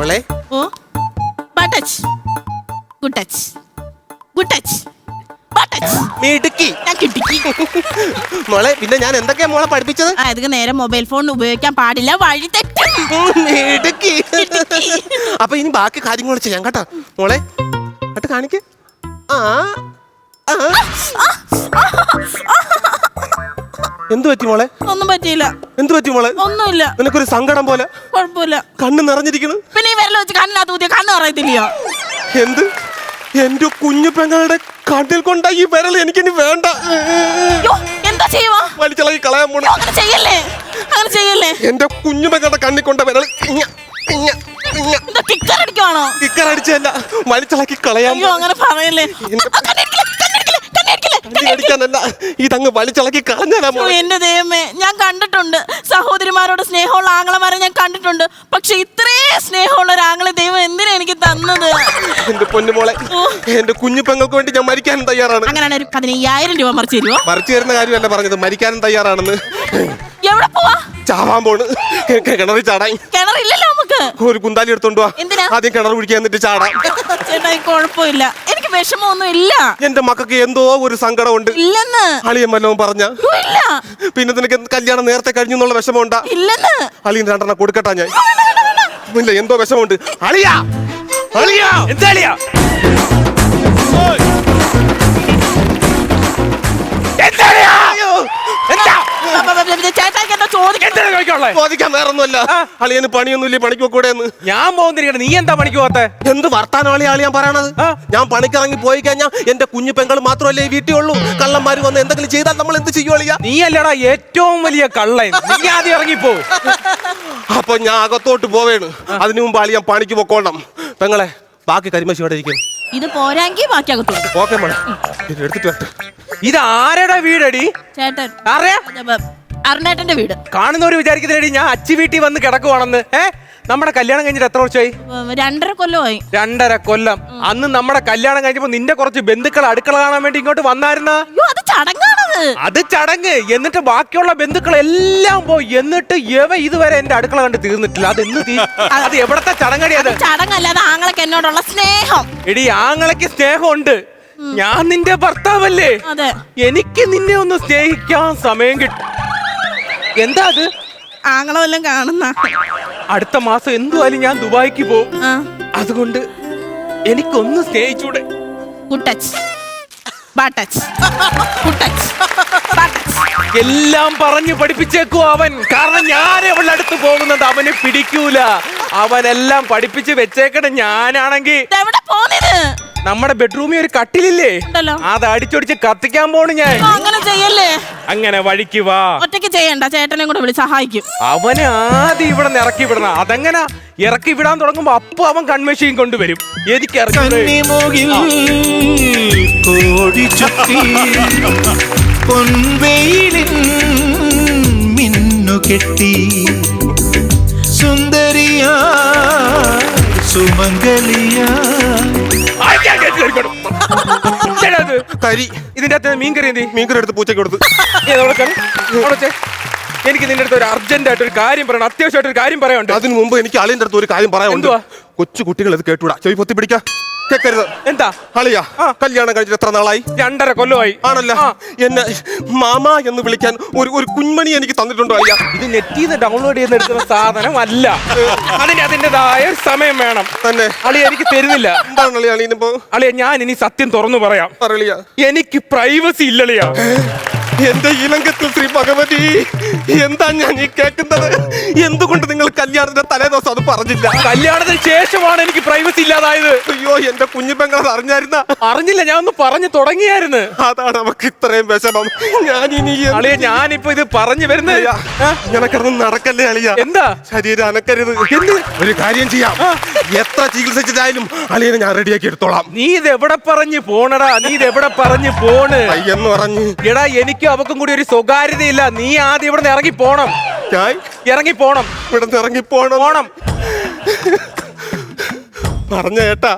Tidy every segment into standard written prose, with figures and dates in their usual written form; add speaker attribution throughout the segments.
Speaker 1: മോളെ
Speaker 2: ഓ bad touch good touch good touch bad touch
Speaker 1: മിടുക്കി.
Speaker 2: ഞാൻ കിട്ടിക്കി.
Speaker 1: മോളെ പിന്നെ ഞാൻ എന്തൊക്കെയാ മോളെ പഠിപ്പിച്ചത്?
Speaker 2: ഇതൊക്കെ നേരെ മൊബൈൽ ഫോൺ ഉപയോഗിക്കാൻ പാടില്ല, വഴി തെറ്റും.
Speaker 1: മിടുക്കി. അപ്പൊ ഇനി ബാക്കി കാര്യങ്ങൾ ചെയ്യാം കേട്ടോ മോളെ. എന്നിട്ട് കാണിക്ക്. എന്തു പറ്റി മോളെ?
Speaker 2: ഒന്നും പറ്റിയില്ല.
Speaker 1: എന്തു പറ്റി മോളെ?
Speaker 2: ഒന്നുമില്ല.
Speaker 1: നിനക്കൊരു സങ്കടം പോലെ.
Speaker 2: കുഴപ്പമില്ല.
Speaker 1: കണ്ണ് നിറഞ്ഞിരിക്കുന്നു.
Speaker 2: പിന്നെ ഈ വിരൽ വെച്ച് കണ്ണിനകത്ത് ഊതിയ കണ്ണ് പറയത്തില്ലയോ?
Speaker 1: എന്ത്? എന്റെ കുഞ്ഞു പെങ്ങളുടെ കണ്ണിൽ കൊണ്ട ഈ വിരൽ എനിക്കിനി വേണ്ട.
Speaker 2: എന്താ ചെയ്യുവാ?
Speaker 1: വലിച്ചിളകി കളയാൻ പോണു.
Speaker 2: അങ്ങനെ ചെയ്യല്ലേ, അങ്ങനെ ചെയ്യല്ലേ.
Speaker 1: എന്റെ കുഞ്ഞു പെങ്ങളുടെ കണ്ണിൽ കൊണ്ട വിരൽ
Speaker 2: കിക്കർ അടിക്കുവാണോ?
Speaker 1: കിക്കർ അടിച്ചല്ല, വലിച്ചിളക്കി കളയാൻ.
Speaker 2: അങ്ങനെ പറയല്ലേ.
Speaker 1: അടിക്കാനല്ല, ഇതങ്ങ് വലിച്ചിളക്കി കളഞ്ഞാ.
Speaker 2: എന്റെ ദൈവമേ, ഞാൻ കണ്ടിട്ടുണ്ട് സഹോദരിമാരോട് സ്നേഹമുള്ള ആങ്ങളമാരെ ഞാൻ കണ്ടിട്ടുണ്ട്. പക്ഷെ ഇത്രേ സ്നേഹമുള്ള ഒരു ആങ്ങളെ ദൈവം എന്തിനാ എനിക്ക് തന്നത്?
Speaker 1: എന്റെ പൊന്നുമോളെ, എന്റെ കുഞ്ഞു പെങ്ങൾക്ക് വേണ്ടി ഞാൻ മരിക്കാനും തയ്യാറാണ്.
Speaker 2: അങ്ങനെയാണ് ഒരു 15,000 രൂപ മറിച്ച് തരുമോ?
Speaker 1: മറിച്ചു തരുന്ന കാര്യമല്ല പറഞ്ഞത്, മരിക്കാനും തയ്യാറാണെന്ന്.
Speaker 2: എവിടെ പോവാ?
Speaker 1: ചാവാൻ പോണ്. കിണറിൽ ചാടാൻ.
Speaker 2: കിണറില്ലല്ലോ നമുക്ക്.
Speaker 1: ഒരു കുന്താലി എടുത്തോണ്ട് പോവാ.
Speaker 2: എന്തിനാ?
Speaker 1: ആദ്യം കിണർ കുടിക്കാൻ എന്നിട്ട് ചാടാം.
Speaker 2: ചേട്ടാ കുഴപ്പമില്ല, എനിക്ക് വിഷമമൊന്നും ഇല്ല.
Speaker 1: എന്റെ മക്കൾക്ക് എന്തോ ഒരു സങ്കടമുണ്ട്.
Speaker 2: ഇല്ലെന്ന്
Speaker 1: അളിയൻ വല്ലതും പറഞ്ഞ?
Speaker 2: ഇല്ല.
Speaker 1: പിന്നെ നിനക്ക് കല്യാണം നേരത്തെ കഴിഞ്ഞു എന്നുള്ള വിഷമമുണ്ടാ?
Speaker 2: ഇല്ലെന്ന്.
Speaker 1: അളിയൻ 2 കൊടുക്കട്ടാ ഞാൻ. ഇല്ല, എന്തോ വിഷമമുണ്ട്. അളിയാ, അളിയാ,
Speaker 3: എന്താ അളിയാ?
Speaker 1: ചോദിക്കാൻ വേറൊന്നുമല്ല. അളിയന് പണിയൊന്നുമില്ല, പണിക്ക് കൂടെ.
Speaker 3: ഞാൻ പോകുന്നിരിക്കട്ടെ, നീ എന്താ പണിക്ക് പോകാത്തെ?
Speaker 1: എന്ത് വർത്താനമാണ് അളിയാൻ പറയണത്? ഞാൻ പണിക്കിറങ്ങി പോയി കഴിഞ്ഞാൽ എന്റെ കുഞ്ഞു പെങ്ങൾ മാത്രമല്ലേ ഈ വീട്ടിൽ ഉള്ളൂ. കള്ളന്മാര് വന്ന് എന്തെങ്കിലും ചെയ്താൽ നമ്മൾ എന്ത് ചെയ്യും അളിയാ?
Speaker 3: നീ അല്ലടാ ഏറ്റവും വലിയ കള്ളൻ. നീ ആദ്യം ഇറങ്ങിപ്പോ.
Speaker 1: അപ്പൊ ഞാൻ അകത്തോട്ട് പോവേണ്. അതിനു മുമ്പ് അളിയാൻ പണിക്ക് പൊക്കോണം. പെങ്ങളെ, ബാക്കി കരിമശി ഇവിടെ ഇരിക്കും.
Speaker 2: ഇത് പോരാങ്കി ബാക്കി അകത്തോട്ട്.
Speaker 1: ഓക്കെ മോളെ, എടുത്തിട്ട് വരട്ടെ.
Speaker 3: ഇത് ആരുടെ വീടടി?
Speaker 2: ചേട്ടൻ
Speaker 3: അറിയാ?
Speaker 2: അരുണേട്ടന്റെ വീട്.
Speaker 3: കാണുന്നവര് വിചാരിക്കുന്നേടി ഞാൻ അച്ചി വീട്ടിൽ വന്ന് കിടക്കുവാണെന്ന്. നമ്മുടെ കല്യാണം കഴിഞ്ഞിട്ട് എത്ര വർഷമായി?
Speaker 2: 2.5 കൊല്ലമായി.
Speaker 3: 2.5 കൊല്ലം. അന്ന് നമ്മുടെ കല്യാണം കഴിഞ്ഞപ്പോ നിന്റെ കുറച്ച് ബന്ധുക്കൾ അടുക്കള കാണാൻ വേണ്ടി ഇങ്ങോട്ട് വന്നായിരുന്ന?
Speaker 2: അത് ചടങ്ങാണത്.
Speaker 3: അത് ചടങ്ങ്. എന്നിട്ട് ബാക്കിയുള്ള ബന്ധുക്കൾ എല്ലാം പോയി. എന്നിട്ട് ഇതുവരെ എന്റെ അടുക്കള കണ്ട് തീർന്നിട്ടില്ല. അത് എവിടത്തെ ചടങ്ങടി? അത്
Speaker 2: ചടങ്ങല്ലാതെ ആങ്ങളക്ക് എന്നോടുള്ള സ്നേഹം.
Speaker 3: എടി, ആങ്ങളക്ക് സ്നേഹമുണ്ട്. ഞാൻ നിന്റെ ഭർത്താവല്ലേ?
Speaker 2: അതെ.
Speaker 3: എനിക്ക് നിന്നെ ഒന്ന് സ്നേഹിക്കാൻ സമയം കിട്ടും. എന്താ അത്?
Speaker 2: ആങ്ങളെ വല്ലതും കാണുന്ന?
Speaker 3: അടുത്ത മാസം എന്തുവായാലും ഞാൻ ദുബായിക്ക് പോകും. അതുകൊണ്ട് എനിക്കൊന്ന് സ്നേഹിച്ചൂടെ?
Speaker 2: Good touch, bad touch, good touch, bad touch.
Speaker 3: എല്ലാം പറഞ്ഞു പഠിപ്പിച്ചേക്കും അവൻ. കാരണം ഞാൻ അവളുടെ അടുത്ത് പോകുന്നത് അവന് പിടിക്കൂല. അവനെല്ലാം പഠിപ്പിച്ച് വെച്ചേക്കണം. ഞാനാണെങ്കിൽ
Speaker 2: എവിടെ പോന്നിത്?
Speaker 3: നമ്മുടെ ബെഡ്റൂമിൽ ഒരു കട്ടിലില്ലേ, അത് അടിച്ചൊടിച്ച് കത്തിക്കാൻ പോണു ഞാൻ.
Speaker 2: അങ്ങനെ ചെയ്യല്ലേ.
Speaker 3: അങ്ങനെ വഴിക്ക് വാ.
Speaker 2: ഒറ്റയ്ക്ക് ചെയ്യണ്ട, ചേട്ടനെ കൂടെ വിളി സഹായിക്കും.
Speaker 3: അവനെ ആദ്യം ഇവിടെ നിന്ന് ഇറക്കി വിടണം. അതെങ്ങനെ ഇറക്കി വിടാൻ തുടങ്ങുമ്പോ അപ്പൊ അവൻ കൺമെഷീൻ കൊണ്ടുവരും. എനിക്ക്
Speaker 4: മിന്നുകെട്ടി സുന്ദരിയാ സുമംഗലിയാ.
Speaker 1: കരി.
Speaker 3: ഇതിന്റെ അകത്ത് മീൻകറി എന്തി?
Speaker 1: മീൻകറി എടുത്ത് പൂച്ചയ്ക്ക് കൊടുത്ത്.
Speaker 3: എനിക്ക് നിന്റെ അടുത്ത് ഒരു അർജന്റ് ആയിട്ട് ഒരു കാര്യം പറയണം. അത്യാവശ്യമായിട്ട് ഒരു കാര്യം പറയാനുണ്ട്.
Speaker 1: അതിന് മുമ്പ് എനിക്ക് അളിയന്റെ അടുത്ത് ഒരു കാര്യം പറയാനുണ്ട്. കൊച്ചു കുട്ടികൾ ഇത് കേട്ടൂടാ. ചെവി പൊത്തി പിടിക്കാം. കേക്കരുത്.
Speaker 3: എന്താ
Speaker 1: അളിയാ, കല്യാണം കഴിച്ചിട്ട് എത്ര നാളായി?
Speaker 3: 2.5 കൊല്ലമായി.
Speaker 1: ആണല്ലോ. എന്നെ മാമ എന്ന് വിളിക്കാൻ ഒരു കുഞ്ഞുമണി എനിക്ക് തന്നിട്ടുണ്ടോ അളിയാ?
Speaker 3: ഇത് നെറ്റിൽ നിന്ന് ഡൗൺലോഡ് ചെയ്ത് എടുക്കുന്ന സാധനം അല്ല. അതിൻ്റെതായ സമയം വേണം.
Speaker 1: തന്നെ
Speaker 3: അളിയ എനിക്ക് തരുന്നില്ല.
Speaker 1: എന്താണ് അളിയാ അളിയനിപ്പോ?
Speaker 3: അളിയ, ഞാൻ ഇനി സത്യം തുറന്നു പറയാം.
Speaker 1: പറയളിയാ.
Speaker 3: എനിക്ക് പ്രൈവസി ഇല്ലളിയാ.
Speaker 1: എന്റെ ഇലങ്കത്തിൽ ശ്രീ ഭഗവതി, എന്താ ഞാൻ ഈ കേൾക്കുന്നത്? എന്തുകൊണ്ട് നിങ്ങൾ കല്യാണത്തിന്റെ തലേദിവസം അത് പറഞ്ഞില്ല?
Speaker 3: കല്യാണത്തിന് ശേഷമാണ് എനിക്ക് പ്രൈവസി ഇല്ലാതായത്.
Speaker 1: അയ്യോ, എന്റെ കുഞ്ഞു പെങ്ങൾ അറിഞ്ഞായിരുന്ന?
Speaker 3: അറിഞ്ഞില്ല, ഞാൻ ഒന്ന് പറഞ്ഞു തുടങ്ങിയായിരുന്നു.
Speaker 1: അതാണ് നമുക്ക് ഇത്രയും വിഷമം.
Speaker 3: അളിയ, ഞാനിപ്പോ ഇത് പറഞ്ഞു വരുന്നത്.
Speaker 1: ഇങ്ങനൊക്കെ നടക്കല്ലേ അളിയ?
Speaker 3: എന്താ?
Speaker 1: ശരീരം അനക്കരുത്. എന്ത്? ഒരു കാര്യം ചെയ്യാം. എത്ര ചികിത്സിച്ചായാലും അളിയനെ ഞാൻ റെഡിയാക്കി എടുത്തോളാം.
Speaker 3: നീ ഇത് എവിടെ പറഞ്ഞു പോണടാ? നീ ഇത് എവിടെ പറഞ്ഞു പോണ്?
Speaker 1: എന്ന് പറഞ്ഞു.
Speaker 3: എടാ, എനിക്ക് അവക്കും കൂടി ഒരു സ്വകാര്യതയില്ല. നീ ആദ്യം ഇവിടെ നിന്ന് ഇറങ്ങി പോണം. ഇറങ്ങി പോണം.
Speaker 1: ഇവിടെ നിന്ന് ഇറങ്ങി പോണം. പറഞ്ഞ കേട്ടാ?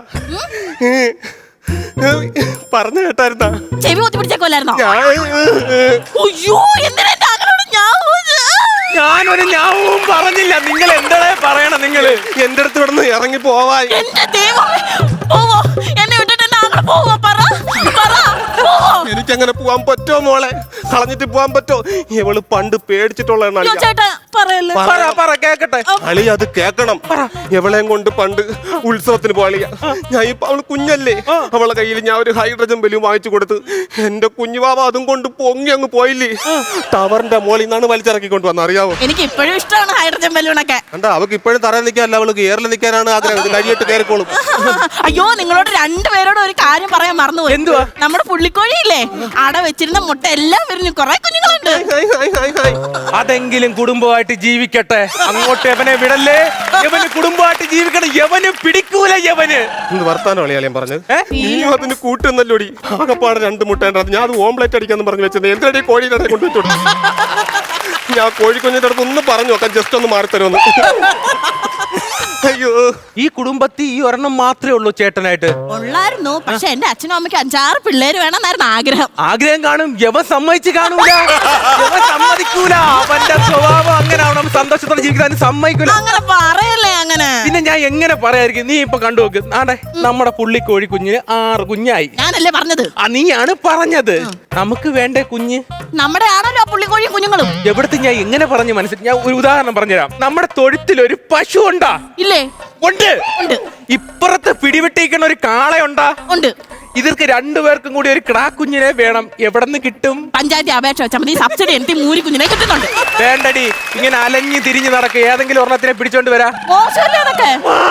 Speaker 1: പറഞ്ഞ കേട്ടായിരുന്നാ?
Speaker 2: ചെവി കുത്തി പിടിച്ചേക്കോലായിരുന്നോ?
Speaker 3: ഞാനൊരു ഞാവും പറഞ്ഞില്ല. നിങ്ങൾ എന്താ പറയണം? നിങ്ങള്
Speaker 1: എന്റെ അടുത്ത് ഇവിടുന്ന് ഇറങ്ങി പോവാൻ.
Speaker 2: എന്റെ ദൈവമേ, പോവോ? എന്നെ വിട്ടിട്ട് എന്നെ അങ്ങനെ പോവോ? പറ പറ, പോവോ?
Speaker 1: എനിക്കങ്ങനെ പോവാൻ പറ്റോ മോളെ? കളഞ്ഞിട്ട് പോവാൻ പറ്റോ? ഇവള് പണ്ട് പേടിച്ചിട്ടുള്ളതാണ്
Speaker 2: അയ്യോ, ചേട്ടാ പറയല്ലേ.
Speaker 3: പറ കേക്കട്ടെ.
Speaker 1: അളി അത് കേക്കണം. എവളെയും കൊണ്ട് പണ്ട് ഉത്സവത്തിന് പോളിയ. ഞാൻ ഇപ്പൊ അവള് കുഞ്ഞല്ലേ, അവളെ കയ്യിൽ ഞാൻ ഒരു ഹൈഡ്രജൻ ബലൂൺ വാങ്ങിച്ചു കൊടുത്ത് എന്റെ കുഞ്ഞുവാവ അതും കൊണ്ട് പൊങ്ങി അങ്ങ് പോയില്ലേ. ടവറിന്റെ മോളിൽ നിന്നാണ് വലിച്ചിറക്കിക്കൊണ്ട് വന്നത്, അറിയാവോ?
Speaker 2: എനിക്ക് ഇപ്പോഴും ഇഷ്ടമാണ് ഹൈഡ്രജൻ ബലൂണൊക്കെ.
Speaker 1: കണ്ടാ, അവക്ക് ഇപ്പോഴും തറയിൽ നിൽക്കാനല്ല, അവൾക്ക് ഏറിൽ നിൽക്കാനാണ് ആഗ്രഹം. കരിയിട്ട് കയറിക്കോളും.
Speaker 2: അയ്യോ, നിങ്ങളോട് രണ്ടുപേരോട് ഒരു കാര്യം പറയാൻ മറന്നുപോയി.
Speaker 3: എന്തുവാ?
Speaker 2: നമ്മുടെ പുള്ളിക്കോഴിയില്ലേ, അട വെച്ചിരുന്ന മുട്ട എല്ലാം വിരിഞ്ഞു, കുറെ കുഞ്ഞുങ്ങളുണ്ട്.
Speaker 3: അതെങ്കിലും കുടുംബമായിട്ട് ജീവിക്കട്ടെ. അങ്ങോട്ട് എവനെ വിടല്ലേ. എവന് കുടുംബമായിട്ട് ജീവിക്കണം. എവന് പിടിക്കൂല. എവന്
Speaker 1: എന്ത് വർത്താനം അളിയാളിയും പറഞ്ഞത്? നീയും അതിന് കൂട്ടുന്നല്ലോടി. ആകപ്പാടെ 2 മുട്ടേണ്ട. ഞാൻ അത് ഓംലെറ്റ് അടിക്കാന്ന് പറഞ്ഞു വെച്ചത്. എന്തിനടി കോഴിയുടെ കൊണ്ടുവച്ചു? ഞാൻ കോഴിക്കുഞ്ഞിന്റെ അടുത്ത് ഒന്ന് പറഞ്ഞു നോക്കാം, ജസ്റ്റ് ഒന്ന് മാറി തരുമെന്ന്. അയ്യോ,
Speaker 3: ഈ കുടുംബത്തിൽ ഈ ഒരെണ്ണം മാത്രമേ ഉള്ളൂ ചേട്ടനായിട്ട്?
Speaker 2: ഉള്ളായിരുന്നു, പക്ഷെ എന്റെ അച്ഛനും അമ്മയ്ക്ക് 5-6 പിള്ളേര് വേണമെന്നായിരുന്നു ആഗ്രഹം.
Speaker 3: ആഗ്രഹം കാണും. യവൻ സമ്മതിച്ച് കാണൂല. യവൻ സമ്മതിക്കൂല. അവന്റെ സ്വഭാവം അങ്ങനെ ആവണം. സന്തോഷത്തോടെ ജീവിക്കാൻ സമ്മതിക്കൂല.
Speaker 2: അങ്ങനെ പറയല്ലേ അങ്ങനെ.
Speaker 3: പിന്നെ ഞാൻ എങ്ങനെ പറയായിരിക്കും? നീ ഇപ്പൊ കണ്ടു നോക്ക്. ആടെ നമ്മുടെ പുള്ളിക്കോഴി കുഞ്ഞിന് 6 കുഞ്ഞായി.
Speaker 2: ഞാനല്ലേ പറഞ്ഞത്?
Speaker 3: നീയാണ് പറഞ്ഞത്. നമുക്ക് വേണ്ടേ കുഞ്ഞ്?
Speaker 2: നമ്മുടെ ആണല്ലോ പുള്ളിക്കോഴി കുഞ്ഞുങ്ങളും.
Speaker 3: എവിടത്തെ ഞാൻ എങ്ങനെ പറഞ്ഞു മനസ്സിലാക്കി? ഞാൻ ഒരു ഉദാഹരണം പറഞ്ഞുതരാം. നമ്മുടെ തൊഴുത്തിൽ ഒരു പശു ഉണ്ടാ?
Speaker 2: ഇല്ലേ?
Speaker 3: ഉണ്ട്. ഇപ്പുറത്ത് പിടിവിട്ടിരിക്കണ ഒരു കാളയുണ്ടാ?
Speaker 2: ഉണ്ട്.
Speaker 3: ഇവർക്ക് 2 പേർക്കും കൂടി ഒരു കിടാക്കുഞ്ഞിനെ വേണം. എവിടെ നിന്ന് കിട്ടും?
Speaker 2: പഞ്ചായത്ത് അപേക്ഷ വെച്ചാൽ മതി. സബ്സിഡി എനിക്ക് 3 കുഞ്ഞിനെ കിട്ടുന്നുണ്ട്.
Speaker 3: വേണ്ടടി, ഇങ്ങനെ അലഞ്ഞു തിരിഞ്ഞു നടക്കുക. ഏതെങ്കിലും ഒരെണ്ണത്തിനെ പിടിച്ചോണ്ട് വരാ.
Speaker 2: മോശമല്ലേ അതൊക്കെ?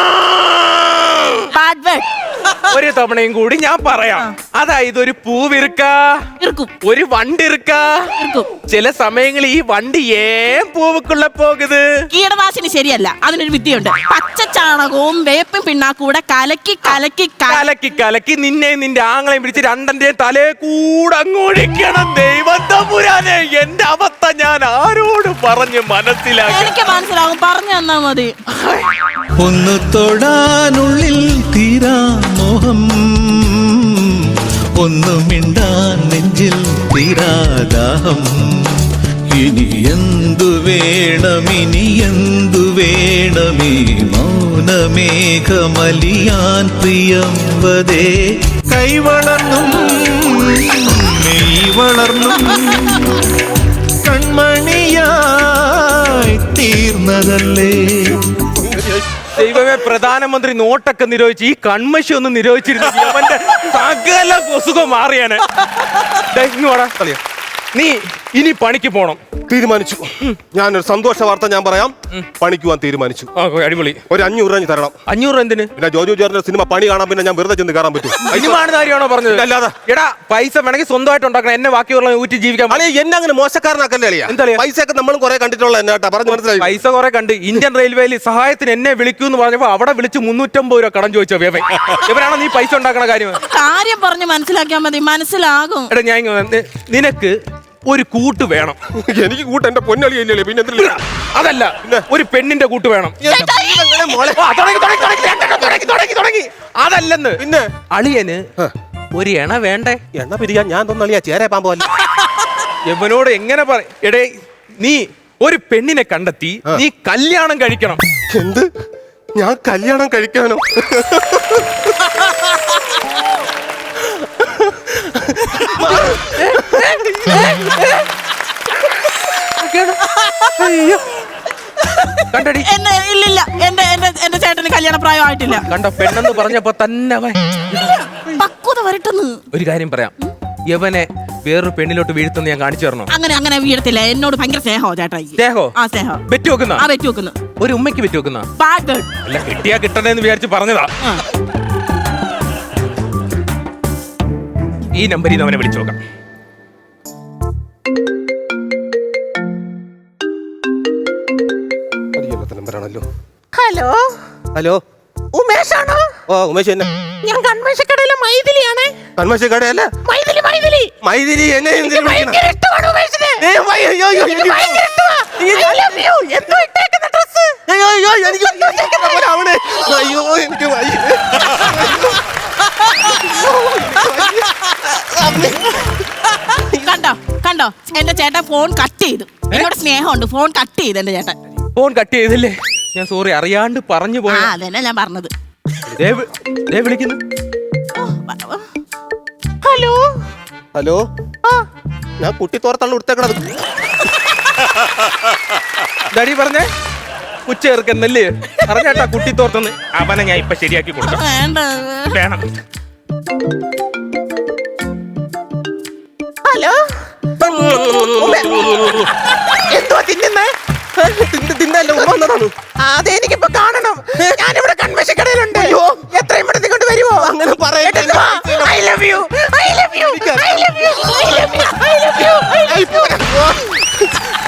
Speaker 2: Bad word.
Speaker 3: ഒരു തവണയും കൂടി ഞാൻ പറയാം. അതായത് ഒരു പൂവിറുക്ക, ഒരു വണ്ടിറുക്ക. ചില സമയങ്ങളിൽ ഈ വണ്ടി ഏൻ പൂവുക്കുള്ള പോകുന്നത്.
Speaker 2: കീടനാശിനി ശരിയല്ല, അതിനൊരു വിദ്യയുണ്ട്. പച്ചച്ചാണകവും വേപ്പും പിണ്ണാക്കൂടെ കലക്കി കലക്കി
Speaker 3: കലക്കി കലക്കി നിന്നെ നിന്റെ ആങ്ങളെയും പിടിച്ച് 2ന്റെയും തലേ കൂടെ അങ്ങൊഴിക്കണം. ദൈവത്തമ്പുരാനെ, എന്റെ അവസ്ഥ ഞാൻ ആരോട് പറഞ്ഞ് മനസ്സിലാക്കി?
Speaker 2: എനിക്ക് മനസ്സിലാകും, പറഞ്ഞു തന്നാ മതി.
Speaker 4: ഒന്ന് തൊടാനുള്ളിൽ തീരാ മോഹം, ഒന്നു മിണ്ടാൻ നെഞ്ചിൽ തീരാദാഹം. ഇനി എന്തു വേണം, ഇനി എന്തു വേണമീ മൗനമേഘമലിയാൻ പ്രിയംവദേ. കൈവളർന്നും മെയ് വളർന്നും കൺമണിയായി തീർന്നതല്ലേ.
Speaker 3: ദൈവമേ, പ്രധാനമന്ത്രി നോട്ടൊക്കെ നിരോധിച്ച് ഈ കൺമശി ഒന്ന് നിരോധിച്ചിരുന്നു, അവന്റെ സകല അസുഖം മാറിയാണ്. നീ ഇനി പണിക്ക് പോണം.
Speaker 1: തീരുമാനിച്ചു. ഞാനൊരു സന്തോഷ വാർത്ത ഞാൻ പറയാം. പണിക്ക് പോവാൻ തീരുമാനിച്ചു.
Speaker 3: അടിപൊളി.
Speaker 1: ഒരു 500 രൂപ തരണം.
Speaker 3: 500 എന്തിന്?
Speaker 1: പിന്നെ ജോജു ജോർജിന്റെ സിനിമ പണി കാണാൻ പിന്നെ ഞാൻ വെറുതെ ചെന്ന് കയറാൻ പറ്റും?
Speaker 3: സിനിമാണെന്ന് കാര്യമാണോ പറഞ്ഞത്?
Speaker 1: അല്ലാതെ.
Speaker 3: എടാ, പൈസ വേണമെങ്കിൽ സ്വന്തമായിട്ട് ഉണ്ടാക്കണം. എന്നെ ബാക്കിയുള്ള ഊറ്റി ജീവിക്കാൻ.
Speaker 1: എന്നെ അങ്ങനെ മോശക്കാരനാക്കല്ലേ അളിയാ?
Speaker 3: എന്താ
Speaker 1: പൈസ ഒക്കെ നമ്മളും കുറെ കണ്ടിട്ടുള്ള എന്നാട്ടാ പറഞ്ഞു മനസ്സിലായി.
Speaker 3: പൈസ കുറെ കണ്ട്. ഇന്ത്യൻ റെയിൽവേയിൽ സഹായത്തിന് എന്നെ വിളിക്കൂ എന്ന് പറഞ്ഞപ്പോ അവിടെ വിളിച്ച് 350 രൂപ കടം ചോദിച്ചോ വേവൻ. ഇവരാണോ നീ പൈസ ഉണ്ടാക്കണ കാര്യം?
Speaker 2: കാര്യം പറഞ്ഞ് മനസ്സിലാക്കിയാൽ മതി, മനസ്സിലാകും.
Speaker 3: എടാ, ഞാൻ നിനക്ക് ഒരു കൂട്ട് വേണം.
Speaker 1: എനിക്ക് കൂട്ട് എന്റെ പൊന്നളിയല്ലേ, പിന്നെ
Speaker 3: അതല്ല, ഒരു പെണ്ണിന്റെ കൂട്ട് വേണം. അതല്ലെന്ന്. പിന്നെ അളിയന് ഒരു എണ വേണ്ടേ?
Speaker 1: എണ്ണ പിരിയാൻ ഞാൻ തോന്നളിയാ ചേരെ പാമ്പല്ല.
Speaker 3: യവനോട് എങ്ങനെ പറ? എടേ, നീ ഒരു പെണ്ണിനെ കണ്ടെത്തി നീ കല്യാണം കഴിക്കണം.
Speaker 1: എന്ത്? ഞാൻ കല്യാണം കഴിക്കാനോ?
Speaker 3: കണ്ടടി,
Speaker 2: ഇല്ലില്ല, എന്റെ ചേട്ടന് കല്യാണ പ്രായം ആയിട്ടില്ല.
Speaker 3: കണ്ട, പെണ്ണെന്ന് പറഞ്ഞപ്പോ തന്നെ
Speaker 2: പക്വത വരട്ടെന്ന്.
Speaker 3: ഒരു കാര്യം പറയാം, യവനെ വേറൊരു പെണ്ണിലോട്ട് വീഴ്ത്തുന്ന ഞാൻ കാണിച്ചു തരണോ?
Speaker 2: അങ്ങനെ വീഴത്തില്ല. എന്നോട് ഭയങ്കര സ്നേഹോ ചേട്ടാ.
Speaker 3: സ്നേഹോ?
Speaker 2: ആ, സ്നേഹം.
Speaker 3: വെറ്റി വെക്കുന്ന?
Speaker 2: ആ, വെറ്റി വെക്കുന്നു.
Speaker 3: ഒരു ഉമ്മയ്ക്ക് വെറ്റി വെക്കുന്ന? അല്ല, കിട്ടിയാ കിട്ടണേന്ന് വിചാരിച്ച് പറഞ്ഞതാ. ഈ നമ്പറിൽ നിന്ന് അവനെ വിളിച്ചു നോക്കാം.
Speaker 2: ഹലോ
Speaker 1: ഹലോ,
Speaker 2: ഉമേഷാണോ?
Speaker 1: ഓ ഉമേഷ് തന്നെ.
Speaker 2: ഞാൻ കൺമേശക്കടയിലെ മൈഥിലിയാണ്.
Speaker 1: കൺമേശക്കടയല്ല, മൈഥിലി. എന്നെ
Speaker 2: ഭയങ്കര ഇഷ്ടമാണ് ഉമേഷിനെ.
Speaker 1: എനിക്ക്
Speaker 2: കണ്ടോ എന്റെ ചേട്ടൻ ഫോൺ കട്ട് ചെയ്തു. എന്നോട് സ്നേഹമുണ്ട്, ഫോൺ കട്ട് ചെയ്ത് എന്റെ ചേട്ടൻ.
Speaker 3: ഫോൺ കട്ട് ചെയ്തില്ലേ? ഞാൻ സോറി, അറിയാണ്ട് പറഞ്ഞു
Speaker 2: ആ
Speaker 3: പോയ.
Speaker 2: അതന്നെ ഞാൻ പറഞ്ഞത്.
Speaker 3: വിളിക്കുന്നു.
Speaker 2: ഹലോ
Speaker 1: ഹലോ, ഞാൻ കുട്ടി തോർത്താണ് കൊടുത്തേക്കണത്.
Speaker 3: ഡാഡി പറഞ്ഞേ ഉച്ച ചേർക്കുന്നല്ലേ പറഞ്ഞേട്ടാ കുട്ടി തോർത്തെന്ന്. അവനെ ഞാൻ ഇപ്പൊ ശരിയാക്കി കൊടുക്കാം.
Speaker 2: വേണ്ട.
Speaker 3: വേണം.
Speaker 2: ഹലോ
Speaker 3: എന്തോ തിന്നുന്നേ?
Speaker 1: തിന്നല്ല ഉമ്മ വന്നതാണ്.
Speaker 3: അതെനിക്കിപ്പോ കാണണം. ഞാനിവിടെ കൺവെൻഷൻ കടയിലുണ്ട്. എത്രയും പെട്ടെന്ന് കൊണ്ട് വരുമോ?
Speaker 1: അങ്ങനെ പറയട്ടെ.
Speaker 3: I love you. I love you. I love you. I love you. I love you.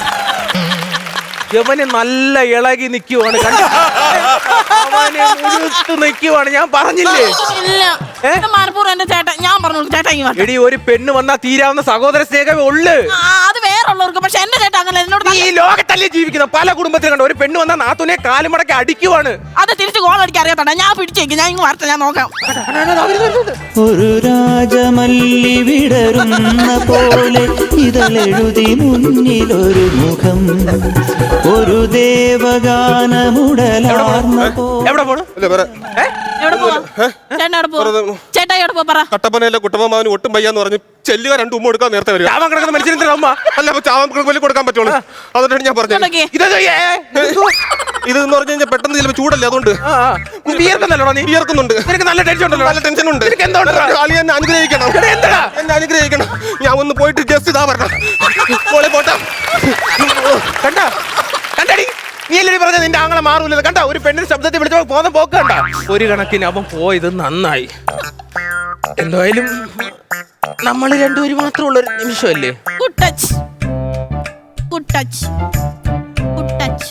Speaker 3: യവന് നല്ല ഇളകി നിൽക്കുവാണ്. അവനെ മുഴുത്ത് നിൽക്കുവാണ്. ഞാൻ പറഞ്ഞില്ലേ?
Speaker 2: ഇല്ല, ഇത് മനപ്പൂർവ്വം എന്റെ ചേട്ടൻ. ഞാൻ പറഞ്ഞു ചേട്ടാ ഇങ്ങ് വാ.
Speaker 3: എടി, ഒരു പെണ്ണ് വന്നാ തീരാവുന്ന സഹോദര സ്നേഹമേ ഉള്ളു.
Speaker 2: അത് വേറുള്ളവർക്ക്. പക്ഷെ എന്റെ ചേട്ടൻ അങ്ങനെ എന്നോട്
Speaker 3: ഈ ലോകത്തല്ലേ ജീവിക്കുന്ന പല കുടുംബത്തിലും കണ്ടോ ഒരു പെണ്ണ് വന്നാ നാത്തുനെ കാലുമടക്കി അടിക്കുവാണ്.
Speaker 2: അത് തിരിച്ച് ഗോൾ അടിക്കാൻ അറിയാത്തണ്ട. ഞാൻ പിടിച്ചേക്ക്, ഞാൻ ഇങ്ങ് വരട്ടെ, ഞാൻ നോക്കാം.
Speaker 4: ഒരു രാജമല്ലി വിടരുന്ന പോലെ ഇതളെഴുതി മുന്നിലൊരു മുഖം, ഒരു ദേവഗാനമുടലാർന്ന
Speaker 3: എവിടെ പോണു?
Speaker 2: എവിടെ പോവാ? ചേട്ടൻ എവിടെ പോവാ? ചേട്ടാ എവിടെ പോവാ പറ.
Speaker 1: കട്ടപ്പനയിലെ കുട്ടമ്മമാവന് ഒട്ടും വയ്യാന്ന് പറഞ്ഞ് ചെല്ലുക 2 ഉമ്മ കൊടുക്കാൻ നേരത്തെ വരിക.
Speaker 3: ചാവാൻ കിടക്കുന്ന മനുഷ്യനെന്തിനാ ഉമ്മ?
Speaker 1: അല്ല, അപ്പൊ ചാവാൻ വലിയ കൊടുക്കാൻ പറ്റുള്ളൂ. അതുകൊണ്ടാണ് ഞാൻ പറഞ്ഞത്.
Speaker 2: ഇങ്ങോട്ടേക്ക്.
Speaker 1: ഇതെന്ന് പറഞ്ഞു കഴിഞ്ഞാൽ പെട്ടെന്ന് ചിലപ്പോൾ ചൂടല്ലേ, അതുകൊണ്ട്
Speaker 3: വിയർക്കുന്നല്ലോടാ നീ?
Speaker 1: വിയർക്കുന്നുണ്ട്.
Speaker 3: നിനക്ക് നല്ല ടെൻഷൻ ഉണ്ടല്ലോ.
Speaker 1: നല്ല ടെൻഷൻ ഉണ്ട്.
Speaker 3: നിനക്ക് എന്തുകൊണ്ടാ?
Speaker 1: ആളി എന്നെ അനുഗ്രഹിക്കണം.
Speaker 3: എന്താ?
Speaker 1: എന്നെ അനുഗ്രഹിക്കണം. ഞാൻ ഒന്ന് പോയിട്ട് ജസ്റ്റ് ഇതാ പറഞ്ഞ മോളെ പോട്ടാ.
Speaker 3: കണ്ടാ കണ്ടടി, നീ അല്ലേ പറഞ്ഞ നിന്റെ ആങ്ങളെ മാറൂല? കണ്ട ഒരു പെണ്ണിന്റെ ശബ്ദത്തിൽ വിളിച്ചപ്പോ പോന്ന പോക്ക് കണ്ട. ഒരു കണക്കിന് അവൻ പോയത് നന്നായി. എന്തായാലും നമ്മൾ രണ്ടുപേരും മാത്രമുള്ള ഒരു നിമിഷമല്ലേ?
Speaker 2: Good touch, good touch, good touch,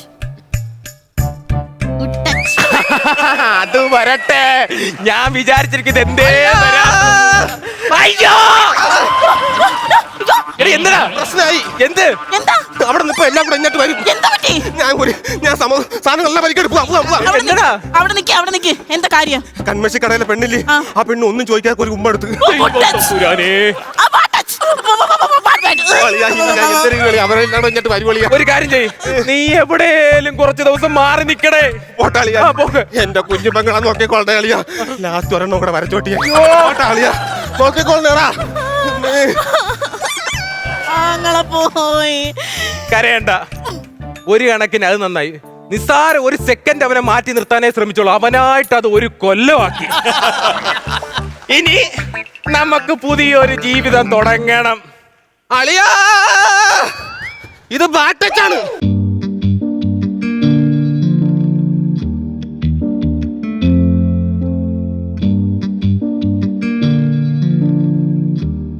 Speaker 2: good touch.
Speaker 3: അത് വരട്ടെ. ഞാൻ വിചാരിച്ചിരിക്കുന്നത് എന്തേ അയ്യോ എന്താ
Speaker 1: പ്രശ്നമായി.
Speaker 3: എന്ത്?
Speaker 2: എന്താ
Speaker 1: അവിടെ നിന്ന് ഇപ്പൊ എല്ലാം കൂടെ ഇങ്ങോട്ട് വരും.
Speaker 2: എന്താ പറ്റി?
Speaker 1: ഞാൻ സാധനങ്ങളെല്ലാം പരിക്കെടുപ്പ്.
Speaker 2: അവിടെ നിക്ക്,
Speaker 3: എന്താടാ?
Speaker 2: അവിടെ നിക്ക്, അവിടെ നിക്ക്. എന്താ കാര്യം?
Speaker 1: കൺമശി കടയിലെ പെണ്ണില്ലേ,
Speaker 2: ആ.
Speaker 1: ആ പെണ്ണ് ഒന്നും ചോദിക്കാതെ ഒരു ഉമ്മ എടുത്ത്.
Speaker 2: Good touch. ആ, bad touch. Bad touch.
Speaker 1: അവരെല്ലാം ഇങ്ങോട്ട് വരുവളിയാ.
Speaker 3: ഒരു കാര്യം ചെയ്യ്, നീ എവിടെയും കുറച്ച് ദിവസം മാറി നിക്കടേ.
Speaker 1: ഓട്ടാളിയാ,
Speaker 3: ആ, പോക്ക്.
Speaker 1: എന്റെ കുഞ്ഞു പെങ്ങളാ നോക്കിക്കോളെ അളിയാ. ലാസ്റ്റ് ഒരെണ്ണം കൂടെ വരച്ചോട്ടിയാ. ഓട്ടാളിയാ, നോക്കിക്കോളേടാ.
Speaker 2: ആങ്ങളെ പോയി.
Speaker 3: കരയണ്ട. ഒരു കണക്കിന് അത് നന്നായി. നിസ്സാര ഒരു സെക്കൻഡ് അവനെ മാറ്റി നിർത്താനേ ശ്രമിച്ചോളൂ. അവനായിട്ട് അത് ഒരു കൊല്ലമാക്കി. ഇനി നമുക്ക് പുതിയൊരു ജീവിതം തുടങ്ങണം.
Speaker 1: അളിയാ, ഇത് ബാറ്റച്ചാണ്.